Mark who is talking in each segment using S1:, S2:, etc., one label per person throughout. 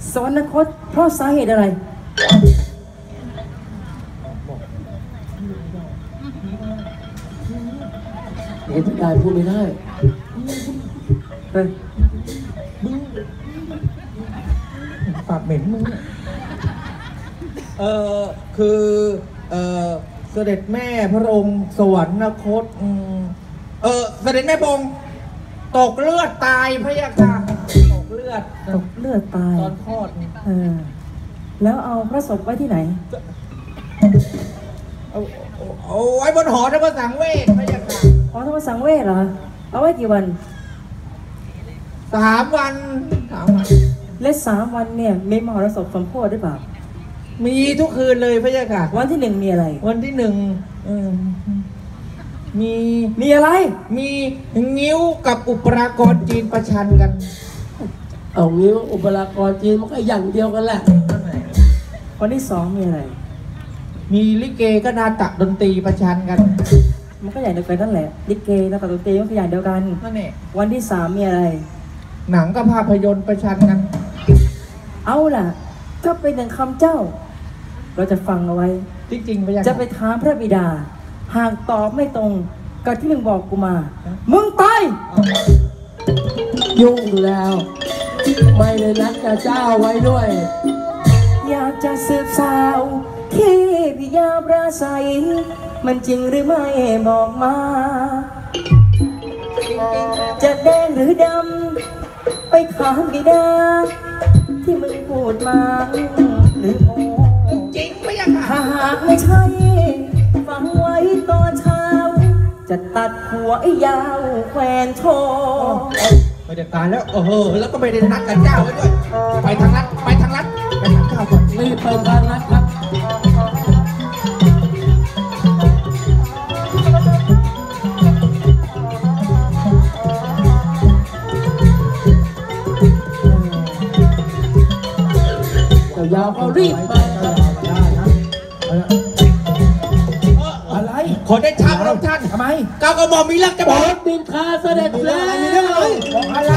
S1: สวรรคตเพราะสาเหตุอะไร
S2: เห็นพี่กายพูดไม่ได้
S1: เฮ้ย
S3: มึงปากเหม็นมึงคือเสด็จแม่พระองค์สวรรคตเสด็จแม่พระองค์ตกเลือดตายพระยาค่ะตกเลือด
S1: ตาย
S3: ตอนคลอด
S1: แล้วเอาพระศพไว้ที่ไหน
S3: เอาไว้บนหอธรรมสังเวชพระยาค่ะ
S1: หอธรรมสังเวชเหรอเอาไว้กี่วัน
S3: 3 วัน
S1: และ3 วันเนี่ยมีมหรสพสมโพธิหรือเปล่า
S3: มีทุกคืนเลยพระยาค่ะ
S1: วันที่1มีอะไร
S3: วันที่1
S1: มีอะไร
S3: มีงิ้วกับอุปรากรจีนประชันกัน
S2: เอางิ้วอุปรากรจีนมันก็อย่างเดียวกันแหละ
S1: วันที่2มีอะไร
S3: มีลิเกก็นาฏดนตรีประชันกัน
S1: มันก็อย่างเดียวกันนั่นแหละลิเกนาฏดนตรีมันก็อย่างเดียวกัน
S3: นั่นแหละ
S1: วันที่3มีอะไร
S3: หนังกับภาพยนตร์ประชันกัน
S1: เอาล่ะก็เป็น1 คำเจ้าเราจะฟังเอาไว้
S3: จริงๆพระยา
S1: จะไปถามพระบิดาหากตอบไม่ตรงกับที่มึงบอกกูมามึงตาย
S2: ยุ่งแล้วไม่ได้นัดกับเจ้าไว้ด้วย
S1: อยากจะสืบสาวที่พิยาปราศัยมันจริงหรือไม่บอกมาจะแดงหรือดำไปถามบิดาที่มึงพูดมาหรือโม
S3: จริงไม่ยัง
S1: ถ้าหากไม่ใช่ฟังไว้ตอนเช้าจะตัดหัวไอ้ยาวแขวนโชว์
S3: ไม่ได้การแล้วแล้วก็ไม่ได้นัดกับเจ้าไว้ด้วยไปทางลัดไปทางข้าวก่อน
S2: รีบไปทางลัดครับยาวเขารีบไป
S3: อะไรขอได้ช้าพระท่าน
S2: ทำไม
S3: ก้าวกระหม่อมมีเรื่องจะบอก
S2: บินคาเสด็จแล้ว
S3: มีเรื่องอะไรบอกอะไร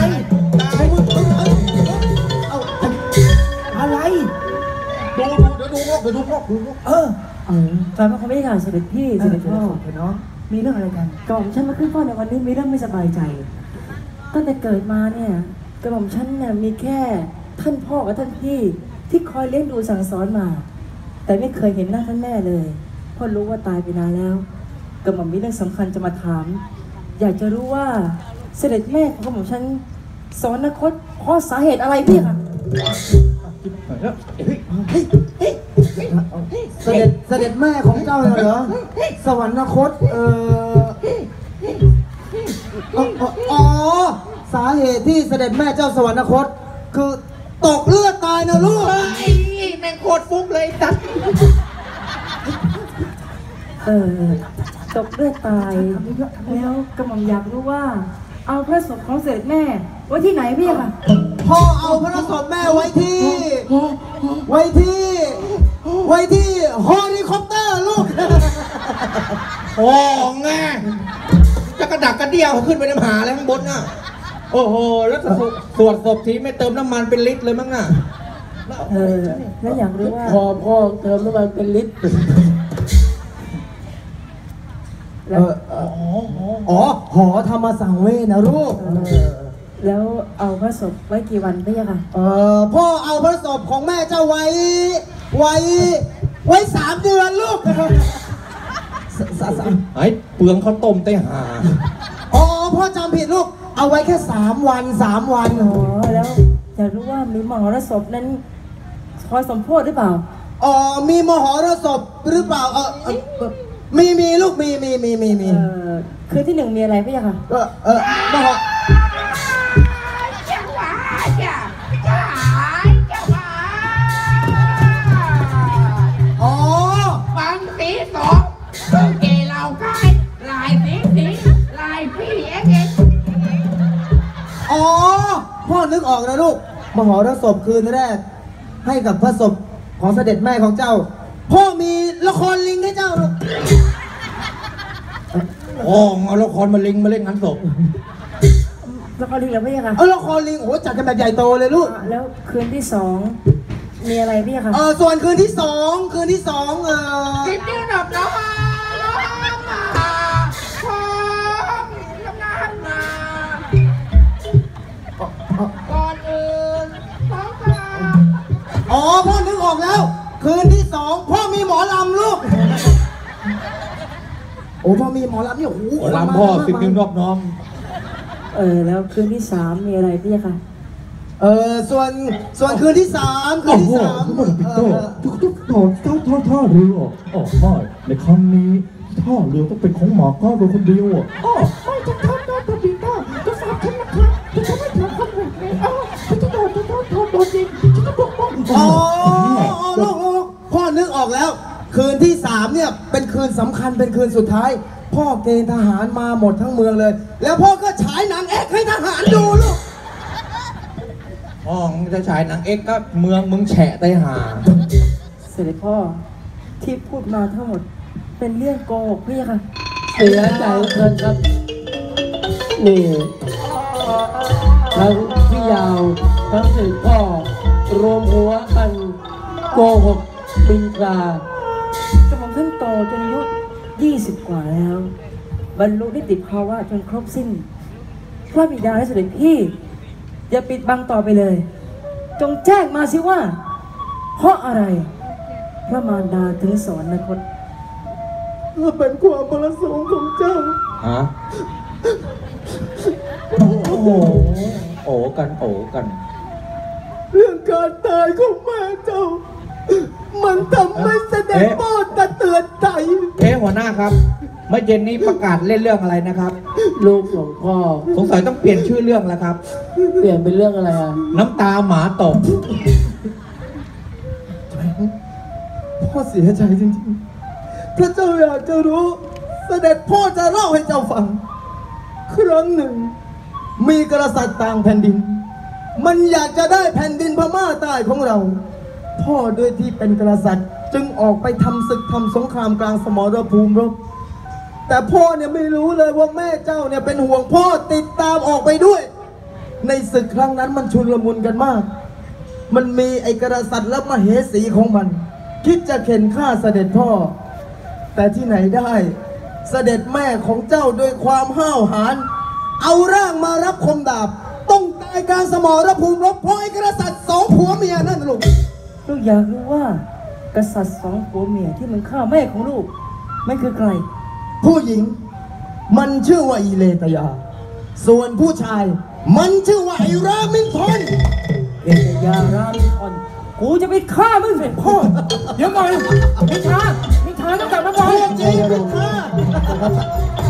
S3: ดูพวก
S1: แฟนเขาไม่ได้ข่าวเสด็จพี่เสด็จพ่อเนาะมีเรื่องอะไรกันกระหม่อมฉันมาขึ้นเฝ้าในวันนี้มีเรื่องไม่สบายใจตั้งแต่เกิดมาเนี่ยกระหม่อมฉันเนี่ยมีแค่ท่านพ่อกับท่านพี่ที่คอยเลี้ยงดูสั่งสอนมาแต่ไม่เคยเห็นหน้าท่านแม่เลยเพราะรู้ว่าตายไปนานแล้วกระหม่อมมีเรื่องสำคัญจะมาถามอยากจะรู้ว่าเสด็จแม่ของกระหม่อมฉันสวรรคตเพราะสาเหตุอะไรพี่ค่ะ
S2: เสด็จแม่ของเจ้าเหรอสวรรคตสาเหตุที่เสด็จแม่เจ้าสวรรคตคือตกเลือดตายนะลูก
S3: แม่งโคตรฟุ้งเลยตัด
S1: ตกเลือดตายแล้วกระหม่อมอยากรู้ว่าเอาพระศพของเสด็จแม่ไว้ที่ไหนพี่ค่ะ
S2: พ่อเอาพระศพแม่ไว้ที่เฮลิคอปเตอร์ลูก
S3: โอ้ไงจะกระดักกระเดี่ยวขึ้นไปน้ำหาแล้วข้างบนน่ะโอ้โหแล้วสวดศพทีไม่เติมน้ำมันเป็นลิตรเลยมั้งน่ะ
S1: แล้วอยากรู้ว่า
S2: พ่อเติมน้ำมันเป็นลิตรหอธรรมสังเวชนะลูก
S1: แล้วเอาพระศพไว้กี่วันพี่ค่ะ
S2: พ่อเอาพระศพของแม่เจ้าไว้3 เดือนลูก
S3: ไอ้เปลืองข้าวต้มไต้หา
S2: พ่อจำผิดลูกเอาไว้แค่3 วัน
S1: แล้วอยากรู้ว่ามีมหรสพนั้นคอยสมโพธิหรือเปล่า
S2: มีมหรสพหรือเปล่ามีลูกมี
S1: คือที่1มีอะไรพี่ค่ะ
S2: มห
S3: ฟังสีสองเรื่องเกลเราใกล้ลายสีลายพี่เอ็ก
S2: พ่อนึกออกนะลูกมหรสพคืนแรกให้กับพระศพของเสด็จแม่ของเจ้าพ่อมีละครลิงให้เจ้าลูก
S3: เอาละครมาลิงมาเล่นงานศพ
S1: ละครลิงเหรอพี่คะ
S2: ละครลิงโอ้โหจัดกันแบบใหญ่โตเลยลูก
S1: แล้วคืนที่สองมีอะไรพี่คะ
S2: ส่วนคืนที่สอง
S3: กินนี่หนับนะพร้อมทำงานมาก่อนอื่นต้องการ
S2: พ่อนึกออกแล้ว คืนที่สองพ่อมีหมอลำลูก โอ้พ่อมีหมอลำเนี่ยโอ้โห
S3: ลำพ่อสิบนิ้วนอบน้อม
S1: แล้วคืนที่สามมีอะไรพี่คะ
S2: ส่วนคืนที่สาม
S4: โอ้โหทุกคนปิดโต้ทุกท่าเรืออ๋อไม่ในครั้งนี้ท่าเรือต้องเป็นของหมาก้าโดยคนเดียวอ่ะอ๋อไม่จะทำได้แต่ปีหน้าจะฝากฉันนะครับจะไม่ทำคำแบบนี้ฉันจะโดนจริงฉันจะปกป้อง
S2: ลูกพ่อนึกออกแล้ว คืนที่สามเนี่ยเป็นคืนสำคัญเป็นคืนสุดท้าย พ่อเกณฑ์ทหารมาหมดทั้งเมืองเลย แล้วพ่อก็ฉายหนังแอคให้ทหารดูลูก
S3: มึงจะฉายหนังเอ็กก็เมืองมึงแฉะไตหา
S1: เสด็จพ่อที่พูดมาทั้งหมดเป็นเรื่องโกหกพี่คะ
S5: เสียใจเกินครับ นี่ทั้งพี่ยาวทั้งสื่อพ่อรวมหัวกันโกหกปิงกาก
S1: ระหม่อมท่านโตจนอายุ20 กว่าแล้ว บรรลุนิติภาวะจนครบสิ้นพระบิดาและเสด็จพี่อย่าปิดบังต่อไปเลย จงแจ้งมาสิว่า เพราะอะไร พระมารดาถึงสอนนคต
S2: เป็นความประสงค์ของเจ้า
S3: ฮะ โอ้โห โอ้กัน
S2: เรื่องการตายของแม่เจ้า มันทำให้เสด็จพ่อตะเตือนใจ
S3: หัวหน้าครับ เมื่อเย็นนี้ประกาศเล่นเรื่องอะไรนะครับ
S5: ลูกของพ่อ
S3: สงสัยต้องเปลี่ยนชื่อเรื่องแล้วครับ
S5: เปลี่ยนเป็นเรื่องอะไรอ่ะ
S3: น้ำตาหมาตก
S2: พ่อเสียใจจริงๆ พระเจ้าอยากจะรู้ เสด็จพ่อจะเล่าให้เจ้าฟัง ครั้งหนึ่ง มีกษัตริย์ต่างแผ่นดิน มันอยากจะได้แผ่นดินพม่าใต้ของเรา พ่อด้วยที่เป็นกษัตริย์จึงออกไปทำศึกทำสงครามกลางสมรภูมิรบ แต่พ่อเนี่ยไม่รู้เลยว่าแม่เจ้าเนี่ยเป็นห่วงพ่อติดตามออกไปด้วย ในศึกครั้งนั้นมันชุลมุนกันมาก มันมีไอ้กษัตริย์และมเหสีของมัน คิดจะเข็นฆ่าเสด็จพ่อ แต่ที่ไหนได้ เสด็จแม่ของเจ้าด้วยความห้าวหาญเอาร่างมารับคมดาบ ต้องตายกลารสมรภูมิรบเพราะไอ้กษัตริย์สองผัวเมียนั่นลูก
S1: ลูกอยากรู้ว่า กษัตริย์สองผัวเมียที่มันฆ่าแม่ของลูกมันคือใคร
S2: ผู้หญิงมันชื่อว่าอีเลตยา ส่วนผู้ชาย มันชื่อว่าไอรามินทน
S1: เอกยารามิทอนกูจะไปฆ่ามึงเสร็จพ่อ เดี๋ยวก่อนมิทราต้องกลับมาก่อน
S2: จริงเป็นข้า